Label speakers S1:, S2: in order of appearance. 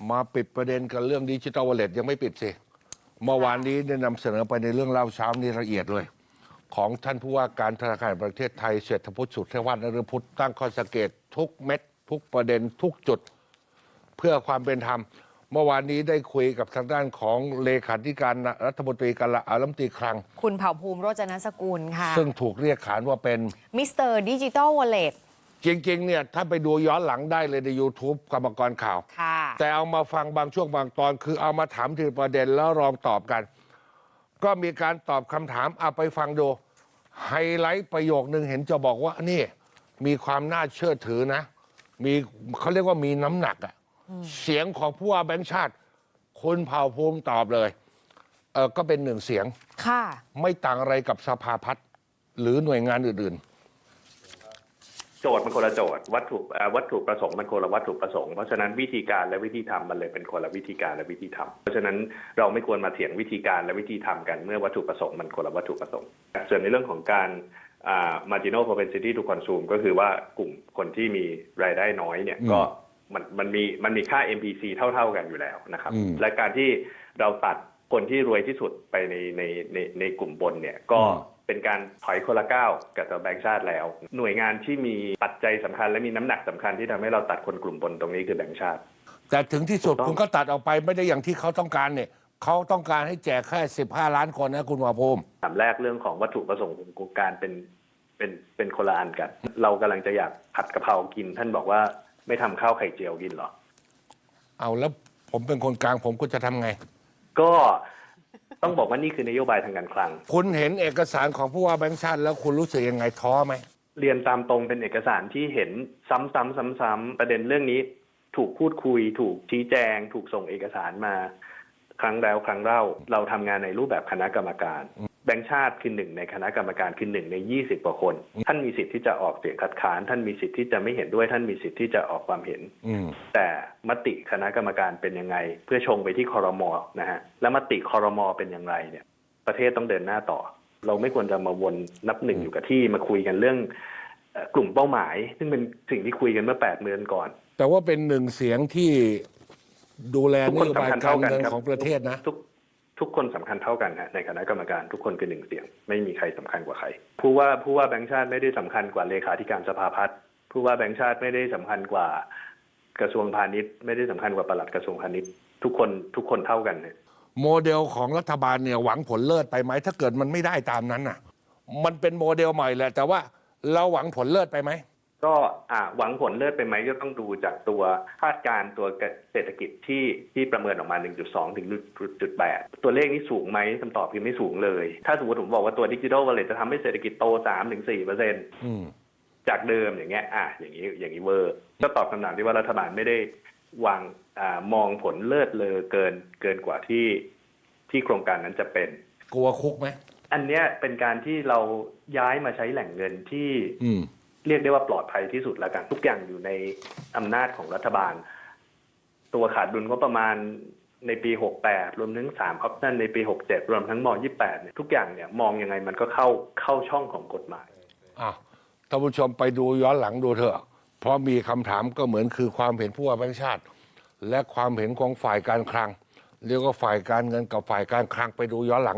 S1: มาปิดประเด็นกันเรื่องดิจิทัลวอลเล็ตยังไม่ปิดสิเมื่อวานนี้ได้นำเสนอไปในเรื่องเล่าเช้านี้ละเอียดเลย ของท่านผู้ว่าการธนาคารแห่งประเทศไทยเศรษฐพุทธสุทธิวัฒน์นฤพุทธตั้งข้อสังเกตทุกเม็ดทุกประเด็นทุกจุดเพื่อความเป็นธรรมเมื่อวานนี้ได้คุยกับทางด้านของเลขาธิการรัฐมนตรีการรัฐมนตรีคลัง
S2: คุณเผ่าภูมิโรจนสกุลค่ะ
S1: ซึ่งถูกเรียกขานว่าเป็น
S2: มิสเตอร์ดิจิทัลวอลเล็ต
S1: จริงๆเนี่ยถ้าไปดูย้อนหลังได้เลยใน YouTube กรรมกรข่าวแต่เอามาฟังบางช่วงบางตอนคือเอามาถามทีละประเด็นแล้วลองตอบกันก็มีการตอบคำถามเอาไปฟังดูไฮไลท์ประโยคนึงเห็นจะบอกว่านี่มีความน่าเชื่อถือนะมีเขาเรียกว่ามีน้ำหนักอ่ะเสียงของผู้ว่าแบงค์ชาติคุณเผ่าภูมิตอบเลยก็เป็นหนึ่งเสียง
S2: ค่ะ
S1: ไม่ต่างอะไรกับสภาพัฒน์หรือหน่วยงานอื่นๆ
S3: โจทย์มันคนละโจทย์วัตถุประสงค์มันคนละวัตถุประสงค์เพราะฉะนั้นวิธีการและวิธีทำมันเลยเป็นคนละวิธีการและวิธีทำเพราะฉะนั้นเราไม่ควรมาเถียงวิธีการและวิธีทำกันเมื่อวัตถุประสงค์มันคนละวัตถุประสงค์ส่วนในเรื่องของการmarginal propensity to consume ก็คือว่ากลุ่มคนที่มีรายได้น้อยเนี่ยก็มันมีค่า MPC เท่ากันอยู่แล้วนะครับและการที่เราตัดคนที่รวยที่สุดไปในกลุ่มบนเนี่ยก็เป็นการถอยคนละก้าวกับตัวแบงก์ชาติแล้วหน่วยงานที่มีปัจจัยสำคัญและมีน้ำหนักสำคัญที่ทำให้เราตัดคนกลุ่มบนตรงนี้คือแบงก์ชาติ
S1: แต่ถึงที่สุดคุณก็ตัดออกไปไม่ได้อย่างที่เขาต้องการเนี่ยเขาต้องการให้แจกแค่15 ล้านคนนะคุณวาภูมิ
S3: ถามแรกเรื่องของวัตถุประสงค์ของโครงการเป็นคนละอันกันเรากำลังจะอยากผัดกะเพรากินท่านบอกว่าไม่ทำข้าวไข่เจียวกินหรอ
S1: เอาแล้วผมเป็นคนกลางผมก็จะทำไง
S3: ก็ต้องบอกว่านี่คือนโยบายทางการคลัง
S1: คุณเห็นเอกสารของผู้ว่าแบงค์ชาติแล้วคุณรู้สึกยังไงท้อไหม
S3: เรียนตามตรงเป็นเอกสารที่เห็นซ้ำๆประเด็นเรื่องนี้ถูกพูดคุยถูกชี้แจงถูกส่งเอกสารมาครั้งแล้วครั้งเล่าเราทำงานในรูปแบบคณะกรรมการแบงค์ชาติคือหนึ่งในคณะกรรมการคือ1 ใน 20 กว่าคนท่านมีสิทธิ์ที่จะออกเสียงคัดค้านท่านมีสิทธิ์ที่จะไม่เห็นด้วยท่านมีสิทธิ์ที่จะออกความเห็นแต่มติคณะกรรมการเป็นยังไงเพื่อชงไปที่ครม.นะฮะและมติครม.เป็นอย่างไรเนี่ยประเทศต้องเดินหน้าต่อเราไม่ควรจะมาวนนับหนึ่งอยู่กับที่มาคุยกันเรื่องกลุ่มเป้าหมายซึ่งเป็นสิ่งที่คุยกันเมื่อ8 เดือนก่อน
S1: แต่ว่าเป็นหนึ่งเสียงที่ดูแลนโยบายการเงินของประเทศนะ
S3: ทุกคนสำคัญเท่ากันฮะในคณะกรรมการทุกคนคือ1 เสียงไม่มีใครสำคัญกว่าใครผู้ว่าแบงค์ชาติไม่ได้สำคัญกว่าเลขาธิการสภาพัฒน์ผู้ว่าแบงค์ชาติไม่ได้สำคัญกว่ากระทรวงพาณิชย์ไม่ได้สำคัญกว่าปลัดกระทรวงพาณิชย์ทุกคนเท่ากันเนี่ย
S1: โมเดลของรัฐบาลเนี่ยหวังผลเลิศไปไหมถ้าเกิดมันไม่ได้ตามนั้นน่ะมันเป็นโมเดลใหม่แหละแต่ว่าเราหวังผลเลิศไปไหม
S3: ก็หวังผลเลิศไปไหมก็ต้องดูจากตัวคาดการณ์ตัวเศรษฐกิจที่ประเมินออกมา 1.2 ถึง 1.8 ตัวเลขนี้สูงไหมคำตอบคือไม่สูงเลยถ้าสมมติผมบอกว่าตัวดิจิทัลวอลเล็ตจะทำให้เศรษฐกิจโต 3-4% จากเดิมอย่างเงี้ยอย่างนี้เวอร์ก็ตอบคำถามที่ว่ารัฐบาลไม่ได้วางมองผลเลิศเลอเกินกว่าที่โครงการนั้นจะเป็น
S1: กลัวคุกไหม
S3: อันเนี้ยเป็นการที่เราย้ายมาใช้แหล่งเงินที่เรียกได้ว่าปลอดภัยที่สุดแล้วกันทุกอย่างอยู่ในอำนาจของรัฐบาลตัวขาดดุลงบประมาณในปี68รวมถึง3 option ในปี67รวมทั้งม28เนี่ยทุกอย่างเนี่ยมองยังไงมันก็เข้าช่องของกฎหมาย
S1: ท่านผู้ชมไปดูย้อนหลังดูเถอะเพราะมีคำถามก็เหมือนคือความเห็นผู้ว่าแบงค์ชาติและความเห็นของฝ่ายการคลังเรียกว่าฝ่ายการเงินกับฝ่ายการคลังไปดูย้อนหลัง